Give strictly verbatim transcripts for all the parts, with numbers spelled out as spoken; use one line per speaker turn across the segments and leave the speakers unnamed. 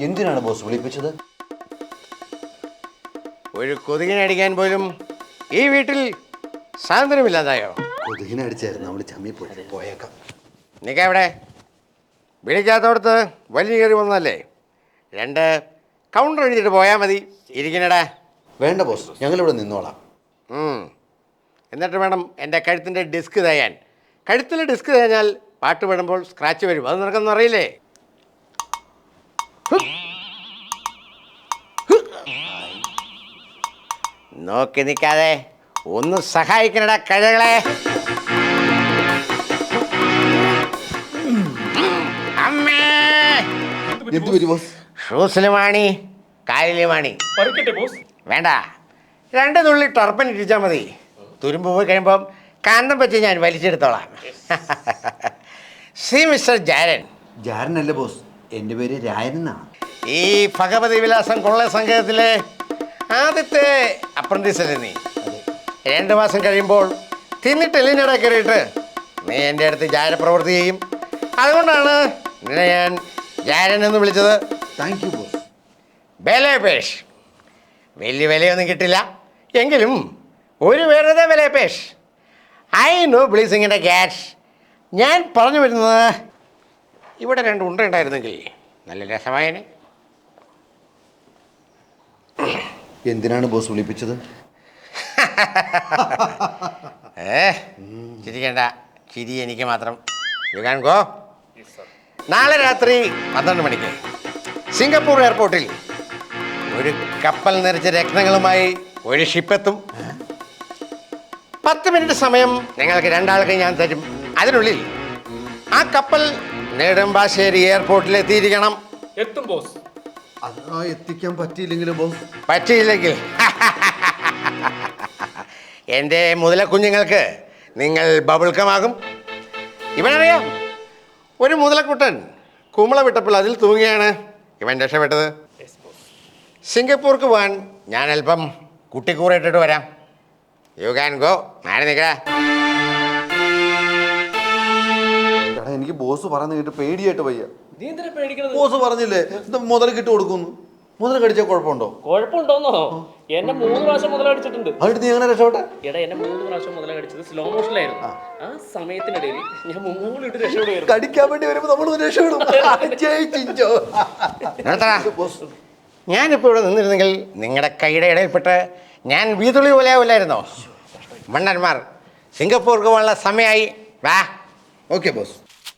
എന്തിനാണ് ബോസ് വിളിപ്പിച്ചത്?
ഒരു കൊതുകിനടിക്കാൻ പോലും ഈ വീട്ടിൽ സ്വാതന്ത്ര്യമില്ലാതായോ?
കൊതുകിനടിച്ചായിരുന്നു, നമ്മൾ ചമ്മി പോയി പോയേക്കാം.
നിൽക്കെവിടെ? വിളിക്കാത്തോടത്ത് വലിയ കയറി വന്നല്ലേ? രണ്ട് കൗണ്ടർ എഴുതിയിട്ട് പോയാൽ മതി. ഇരിക്കണടാ.
വേണ്ട ബോസ്, ഞങ്ങളിവിടെ നിന്നോളാം.
എന്നിട്ട് വേണം എൻ്റെ കഴുത്തിൻ്റെ ഡിസ്ക് തേയാൻ. കഴുത്തിൽ ഡിസ്ക് തേഞ്ഞാൽ പാട്ട് പാടുമ്പോൾ സ്ക്രാച്ച് വരും. അത് നിനക്കൊന്നും അറിയില്ലേ? നോക്കി നിൽക്കാതെ ഒന്ന് സഹായിക്കണടാ കഴകളെ. അമ്മേ, ഷൂസില് മാണി, കാലില് മാണി. വേണ്ട, രണ്ട് തുള്ളി ടർപ്പൻ ഇടിച്ചാൽ മതി. തുരുമ്പ് പോയി കഴിയുമ്പം കാന്തം വെച്ച് ഞാൻ വലിച്ചെടുത്തോളാം. See mister Jaran.
ജാരനല്ല ബോസ്, എൻ്റെ പേര് രായൻ എന്നാണ്.
ഈ ഭഗവതി വിലാസം കൊള്ള സംഘത്തിലെ ആദ്യത്തെ അപ്രന്റീസ് അല്ലേ നീ? രണ്ട് മാസം കഴിയുമ്പോൾ തിന്നിട്ട് എല്ലിനട കയറിയിട്ട് നീ എൻ്റെ അടുത്ത് ജാരപ്രവൃത്തി ചെയ്യും. അതുകൊണ്ടാണ് നിന്നെ ഞാൻ ജാരൻ എന്ന് വിളിച്ചത്.
Thank you boss.
ബലേപേഷ്. വലിയ വിലയൊന്നും കിട്ടില്ല, എങ്കിലും ഒരു വെറുതെ ബലേപേഷ്. ഐ നോ ബ്ലീസിങ്ങിൻ്റെ ക്യാഷ്. ഞാൻ പറഞ്ഞു വരുന്നത്, ഇവിടെ രണ്ട് ഉണ്ട ഉണ്ടായിരുന്നെങ്കിൽ നല്ല രസമായനെ.
എന്തിനാണ് ബോസ് വിളിപ്പിച്ചത്?
ഏ ചിരിക്കണ്ട, ചിരി എനിക്ക് മാത്രം. You can go. നാളെ രാത്രി പന്ത്രണ്ട് മണിക്ക് സിംഗപ്പൂർ എയർപോർട്ടിൽ ഒരു കപ്പൽ നിറച്ച രത്നങ്ങളുമായി ഒരു ഷിപ്പെത്തും. പത്ത് മിനിറ്റ് സമയം നിങ്ങൾക്ക് രണ്ടാൾക്ക് ഞാൻ തരും. അതിനുള്ളിൽ ആ കപ്പൽ നെടുമ്പാശ്ശേരി എയർപോർട്ടിൽ എത്തിയിരിക്കണം.
എത്തും ബോസ്.
അതാ എത്തിക്കാൻ പറ്റിയില്ലെങ്കിലും ബോസ്?
പറ്റിയില്ലെങ്കിൽ എൻ്റെ മുതലക്കുഞ്ഞുങ്ങൾക്ക് നിങ്ങൾ ബബിൾക്കമാകും. ഇവനറിയാം, ഒരു മുതലക്കുട്ടൻ കുമ്പള വിട്ടപ്പോൾ അതിൽ തൂങ്ങിയാണ് ഇവൻ രക്ഷപ്പെട്ടത്. സിംഗപ്പൂർക്ക് പോകാൻ ഞാൻ അല്പം കുട്ടിക്കൂറിട്ടിട്ട് വരാം. You can go. മാറി നിൽക്കടാ.
എടാ, എനിക്ക് ബോസ് പറയുന്നത് കേട്ട് പേടിയായിട്ട് വയ്യ.
നീ എന്തിനാ പേടിക്കണത്?
ബോസ് പറഞ്ഞില്ലേ മുതൽ കിട്ടു കൊടുക്കുന്നു. മുതൽ കടിച്ചാൽ കുഴപ്പമുണ്ടോ?
കുഴപ്പമുണ്ടോന്നോ? എന്നെ മൂന്ന് പ്രാവശ്യം മുതൽ അടിച്ചിട്ടുണ്ട്.
അതിട്ട് നീ എങ്ങനെ രക്ഷപ്പെട്ടെ?
എടാ, എന്നെ മൂന്ന് പ്രാവശ്യം മുതൽ അടിച്ചത് സ്ലോ മോഷനിലായിരുന്നു. ആ സമയത്തിനിടയിൽ ഞാൻ മുങ്ങൂളിട്ട് രക്ഷപ്പെടുകയായിരുന്നു.
കടിക്കാൻ വേണ്ടി വരുമ്പോ നമ്മൾ രക്ഷപ്പെടും.
ഞാനിപ്പോൾ ഇവിടെ നിന്നിരുന്നെങ്കിൽ നിങ്ങളുടെ കൈയുടെ ഇടയിൽപ്പെട്ട് ഞാൻ വീതുളി പോലെ ആവില്ലായിരുന്നോ? മണ്ണന്മാർ, സിംഗപ്പൂർക്ക് പോകാനുള്ള സമയമായി. വാ.
Okay boss.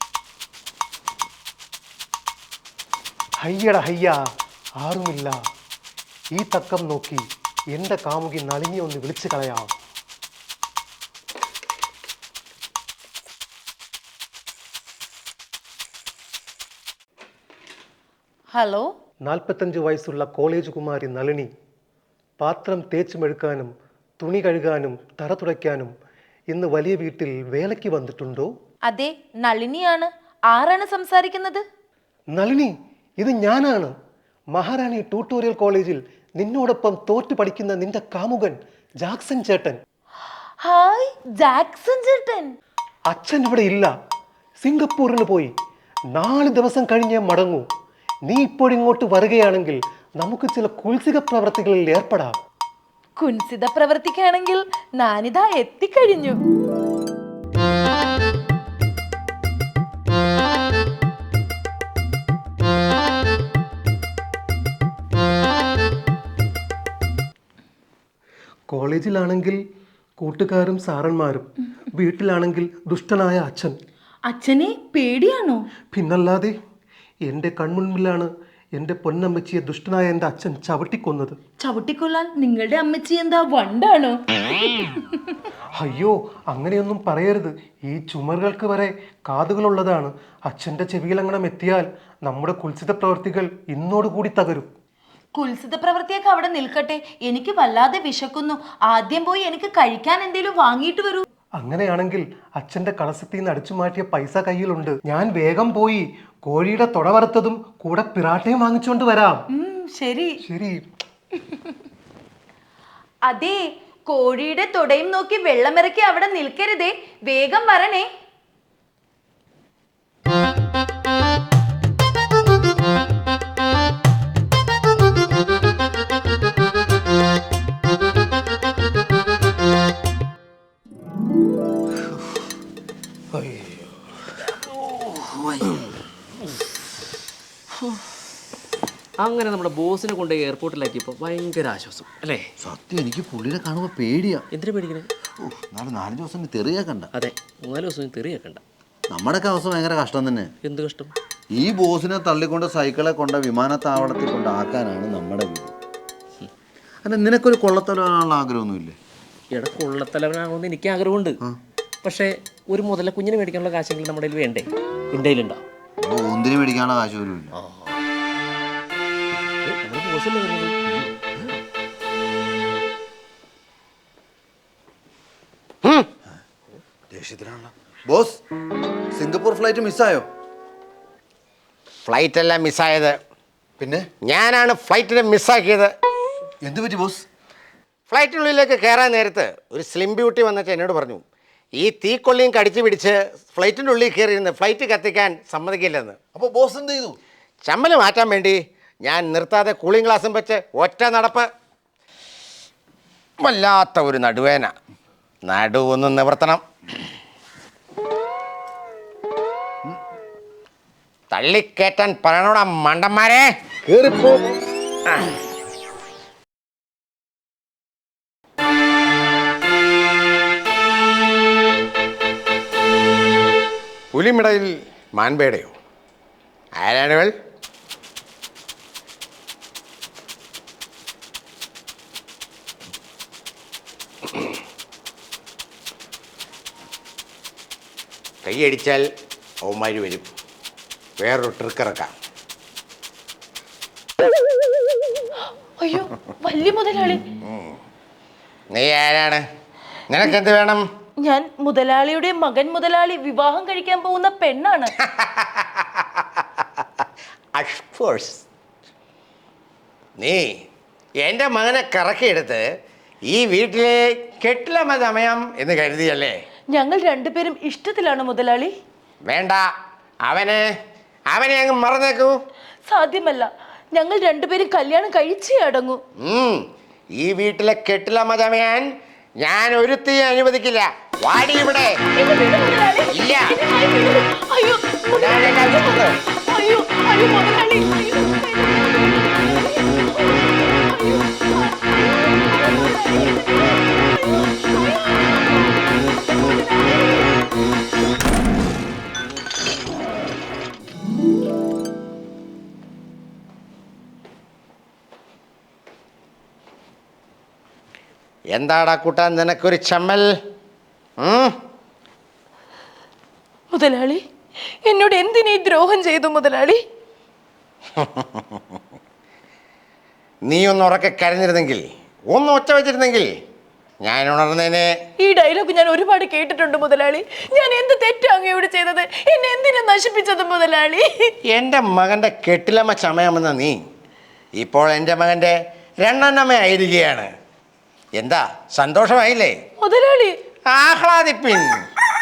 ഹയ്യട ഹയ്യ, ആരുമില്ല. ഈ തക്കം നോക്കി എൻ്റെ കാമുകി നളിനി ഒന്ന് വിളിച്ചു കളയാം.
ഹലോ.
നാൽപ്പത്തഞ്ച് വയസ്സുള്ള കോളേജ് കുമാരി നളിനി പാത്രം തേച്ച് മെഴുക്കാനും തുണി കഴുകാനും തറ തുടയ്ക്കാനും ഇന്ന് വലിയ വീട്ടിൽ വേലയ്ക്ക് വന്നിട്ടുണ്ടോ?
അതെ, നളിനിയാണ്. ആരാണ് സംസാരിക്കുന്നത്?
നളിനി, ഇത് ഞാനാണ്. മഹാറാണി ട്യൂട്ടോറിയൽ കോളേജിൽ നിന്നോടൊപ്പം തോറ്റു പഠിക്കുന്ന നിന്റെ കാമുകൻ ജാക്സൺ ചേട്ടൻ.
ഹായ് ജാക്സൺ ചേട്ടൻ.
അച്ഛൻ ഇവിടെ ഇല്ല, സിംഗപ്പൂരിന് പോയി. നാല് ദിവസം കഴിഞ്ഞേ മടങ്ങൂ. നീ ഇപ്പോഴിങ്ങോട്ട് വരികയാണെങ്കിൽ നമുക്ക് ചില കുൽസിക പ്രവർത്തികളിൽ ഏർപ്പെടാം.
കുൻസിത പ്രവർത്തിക്കുകയാണെങ്കിൽ ഞാനിതാ എത്തിക്കഴിഞ്ഞു.
കോളേജിലാണെങ്കിൽ കൂട്ടുകാരും സാറന്മാരും, വീട്ടിലാണെങ്കിൽ ദുഷ്ടനായ അച്ഛൻ.
അച്ഛനെ പേടിയാണോ?
പിന്നല്ലാതെ. എൻ്റെ കൺമുൻപിലാണ് എൻ്റെ പൊന്നമ്മച്ചിയെ ദുഷ്ടനായ എൻ്റെ അച്ഛൻ ചവിട്ടിക്കൊന്നത്.
ചവിട്ടിക്കൊല്ലാൻ നിങ്ങളുടെ അമ്മച്ചി എന്താ വണ്ടാണോ?
അയ്യോ, അങ്ങനെയൊന്നും പറയരുത്. ഈ ചുമറുകൾക്ക് വരെ കാതുകളുള്ളതാണ്. അച്ഛൻ്റെ ചെവിയിലങ്ങണം എത്തിയാൽ നമ്മുടെ കുൽസിത പ്രവർത്തികൾ ഇന്നോടുകൂടി തകരും.
കുൽസിത പ്രവൃത്തിയൊക്കെ അവിടെ നിൽക്കട്ടെ, എനിക്ക് വല്ലാതെ വിശക്കുന്നു. ആദ്യം പോയി എനിക്ക് കഴിക്കാൻ എന്തേലും വാങ്ങിയിട്ട് വരൂ.
അങ്ങനെയാണെങ്കിൽ അച്ഛൻ്റെ കളസത്തിൽ നിന്ന് അടിച്ചു മാറ്റിയ പൈസ കയ്യിലുണ്ട്. ഞാൻ വേഗം പോയി കോഴിയുടെ തുട വറുത്തതും കൂടെ പിറാട്ടയും വാങ്ങിച്ചുകൊണ്ട് വരാം.
ശരി
ശരി.
അതെ, കോഴിയുടെ തുടയും നോക്കി വെള്ളമിറക്കി അവിടെ നിൽക്കരുതേ, വേഗം വരണേ.
അങ്ങനെ നമ്മുടെ ബോസിനെ കൊണ്ട് എയർപോർട്ടിലാക്കിയപ്പോൾ ഭയങ്കര ആശ്വാസം അല്ലേ?
സത്യം എനിക്ക് പുള്ളിനെ കാണുമ്പോൾ പേടിയാ.
എന്തിനു പേടിക്കണേ?
ഓ നാളെ നാലഞ്ച് ദിവസം തെറിയാക്കണ്ട.
അതെ, മൂന്നാല് ദിവസം തെറിയാക്കണ്ട.
നമ്മുടെയൊക്കെ അവസ്ഥ ഭയങ്കര കഷ്ടം തന്നെ.
എന്ത് കഷ്ടം?
ഈ ബോസിനെ തള്ളിക്കൊണ്ട് സൈക്കിളെ കൊണ്ട് വിമാനത്താവളത്തിൽ കൊണ്ടാക്കാനാണ് നമ്മുടെ വീട്. അല്ല നിനക്കൊരു കൊള്ളത്തലാണുള്ള ആഗ്രഹമൊന്നുമില്ലേ?
എടാ കൊള്ളത്തലവനാകുമെന്ന് എനിക്ക് ആഗ്രഹമുണ്ട്. പക്ഷേ ഒരു മുതല കുഞ്ഞിനെ മേടിക്കാനുള്ള കാശെങ്കിലും നമ്മുടെ കയ്യിൽ വേണ്ടേ? എൻ്റെ കയ്യിലുണ്ടോ?
ഒന്നിന് മേടിക്കാനുള്ള കാശ് പോലും ഇല്ല.
നമ്മുടെ ബോസല്ലേ വരുന്നത്?
ദേഷ്യത്തിലാണല്ലോ. ബോസ്, സിംഗപ്പൂർ ഫ്ലൈറ്റ് മിസ്സായോ?
ഫ്ലൈറ്റ് എല്ലാം മിസ്സായത്
പിന്നെ
ഞാനാണ് ഫ്ലൈറ്റിനെ മിസ്സാക്കിയത്.
എന്ത് പറ്റി ബോസ്?
ഫ്ലൈറ്റിനുള്ളിലേക്ക് കയറാൻ നേരത്ത് ഒരു സ്ലിം ബ്യൂട്ടി വന്നിട്ട് എന്നോട് പറഞ്ഞു, ഈ തീക്കൊള്ളിയും കടിച്ചു പിടിച്ച് ഫ്ലൈറ്റിൻ്റെ ഉള്ളിൽ കയറിയിരുന്ന് ഫ്ലൈറ്റ് കത്തിക്കാൻ സമ്മതിക്കില്ലെന്ന്.
അപ്പോൾ ബോസ് എന്ത് ചെയ്തു?
ചമ്മല് മാറ്റാൻ വേണ്ടി ഞാൻ നിർത്താതെ കൂളിംഗ് ഗ്ലാസും വെച്ച് ഒറ്റ നടപ്പ്. വല്ലാത്ത ഒരു നടുവേന. നടുവൊന്ന് നിവർത്തണം. തള്ളിക്കേറ്റാൻ പറയണോടാ മണ്ടന്മാരെ. കേറിപ്പോ. പുലിമിടയിൽ മാൻപേടയോ? ആരാണിവൾ? കൈയടിച്ചാൽ അവന്മാർ വരും. വേറൊരു ട്രിക്ക് ഇറക്കാം.
അയ്യോ വലിയ മുതലാളി.
നീ ആരാണ്? നിനക്കെന്ത് വേണം?
ഞാൻ മുതലാളിയുടെ മകൻ മുതലാളി വിവാഹം കഴിക്കാൻ പോകുന്ന പെണ്ണാണ്.
അഫ്കോഴ്സ്. നീ എൻ്റെ മകനെ കറക്കിയെടുത്ത് ഈ വീട്ടിലെ കെട്ടിലമ സമയം എന്ന് കരുതിയല്ലേ?
ഞങ്ങൾ രണ്ടുപേരും ഇഷ്ടത്തിലാണ് മുതലാളി.
വേണ്ട, അവനെ അവനെ അങ്ങ് മറന്നേക്കൂ.
സാധ്യമല്ല, ഞങ്ങൾ രണ്ടുപേരും കല്യാണം കഴിച്ചേ അടങ്ങൂ.
ഉം, ഈ വീട്ടിലെ കെട്ടിലമ ചമയാൻ ഞാൻ ഒരുത്തി അനുവദിക്കില്ല. വാടി ഇവിടെ.
എന്നെ വിടൂ മുതലാളി.
ഇല്ല.
എന്നെ കൈ വിടൂ. അയ്യോ മുതലാളി. അയ്യോ അയ്യോ മുതലാളി.
എന്താടാ കൂട്ടാൻ നിനക്കൊരു ചമ്മൽ?
മുതലാളി എന്നോട് എന്തിനീ ദ്രോഹം ചെയ്തു മുതലാളി?
നീ ഒന്ന് ഉറക്കെ കരഞ്ഞിരുന്നെങ്കിൽ, ഒന്ന് ഒച്ച വെച്ചിരുന്നെങ്കിൽ ഞാൻ ഉണർന്നേനെ.
ഈ ഡയലോഗ് ഞാൻ ഒരുപാട് കേട്ടിട്ടുണ്ട് മുതലാളി. ഞാൻ എന്ത് തെറ്റാ അങ്ങയോട് ചെയ്തത്? എന്നെ എന്തിനാ നശിപ്പിച്ചത് മുതലാളി?
എൻ്റെ മകൻ്റെ കെട്ടിലമ്മ ചമയാമെന്ന നീ ഇപ്പോൾ എൻ്റെ മകൻ്റെ രണ്ടെണ്ണമ്മയായിരിക്കുകയാണ്. എന്താ സന്തോഷമായില്ലേ
മുതലാളി?
ആഹ്ലാദിപ്പിൻ.